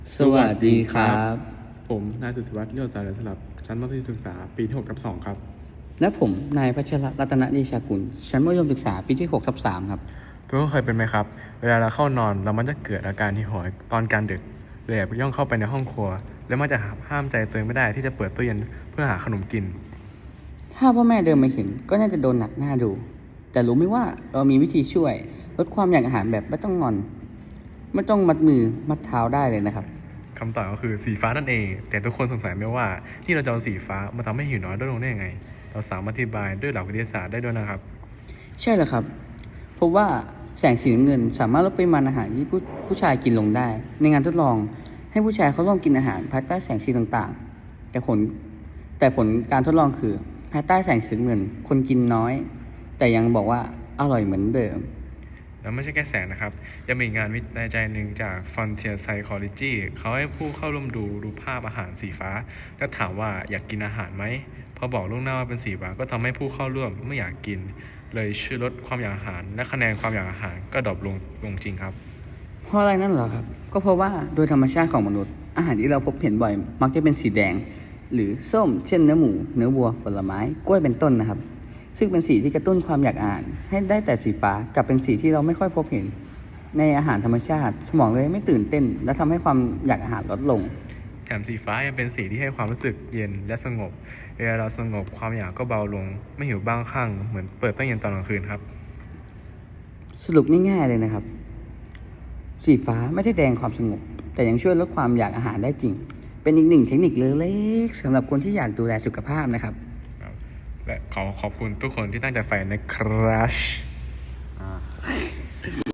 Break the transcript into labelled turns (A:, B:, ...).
A: สวัสดีครับ
B: ผมนายสุทธิวัฒน์เลี้ยวสายสลับชั้นมัธยมศึกษาปีที่6/2ครับ
A: และผมนายพัชรรัตนเดชากุลชั้นมัธยมศึกษาปีที่6/3ครับ
B: ทุกคนเคยเป็นไหมครับเวลาเราเข้านอนเรามันจะเกิดอาการหิวโหยตอนกลางดึกเลยแอบย่องเข้าไปในห้องครัว แล้วมันจะห้ามใจตัวเองไม่ได้ที่จะเปิดตู้เย็นเพื่อหาขนมกิน
A: ถ้าพ่อแม่เดินมาเห็นก็น่าจะโดนหนักหน้าดู แต่รู้ไหมว่าเรามีวิธีช่วยลดความอยากอาหารแบบไม่ต้องงอน ไม่ต้องมัดมือมัดเท้าได้เลยนะครับ
B: คำตอบก็คือสีฟ้านั่นเอง แต่ทุกคนสงสัยไหมว่าที่เราจะเอาสีฟ้ามาทำให้หิวน้อยลดลงได้ยังไง เราสามารถอธิบายด้วยหลักวิทยาศาสตร์ได้ด้วยนะครับ
A: ใช่แล้วครับเพราะว่าแสงสีน้ำเงินสามารถลดปริมาณอาหารที่ผู้ชายกินลงได้ ในงานทดลองให้ผู้ชายเขาลองกินอาหารภายใต้แสงสีต่างๆ แต่ผลการทดลองคือภายใต้แสงสีน้ำเงินคนกินน้อย แต่ยังบอกว่าอร่อยเหมือนเดิม
B: แล้วไม่ใช่แค่แสงนะครับ ยังมีงานวิจัยหนึ่งจาก Frontier Psychology เขาให้ผู้เข้าร่วมดูภาพอาหารสีฟ้า แล้วถามว่าอยากกินอาหารไหม พอบอกล่วงหน้าว่าเป็นสีฟ้าก็ทำให้ผู้เข้าร่วมไม่อยากกิน เลยช่วยลดความอยากอาหาร และคะแนนความอยากอาหารก็ดรอปลงจริงครับ
A: เพราะอะไรนั่นเหรอครับ ก็เพราะว่าโดยธรรมชาติของมนุษย์อาหารที่เราพบเห็นบ่อยมักจะเป็นสีแดง หรือส้มเช่นเนื้อหมู เนื้อวัวผลไม้กล้วยเป็นต้นนะครับ ซึ่งเป็นสีที่กระตุ้นความอยากอ่านให้ได้แต่สีฟ้ากลับเป็นสีที่เราไม่ค่อยพบเห็น ในอาหารธรรมชาติสมองเลยไม่ตื่นเต้น และทำให้ความอยากอาหารลดลง
B: แถมสีฟ้ายังเป็นสีที่ให้ความรู้สึกเย็นและสงบ เวลาเราสงบความอยากก็เบาลง ไม่หิวบ้างข้างเหมือนเปิดตู้เย็นตอนกลางคืนครับ
A: สรุปง่ายๆเลยนะครับ สีฟ้าไม่ใช่แดงความสงบ แต่ยังช่วยลดความอยากอาหารได้จริง เป็นอีกหนึ่งเทคนิคเล็กๆสำหรับคนที่อยากดูแลสุขภาพนะครับ
B: และขอบคุณทุกคนที่ตั้งใจใฝ่ในครัช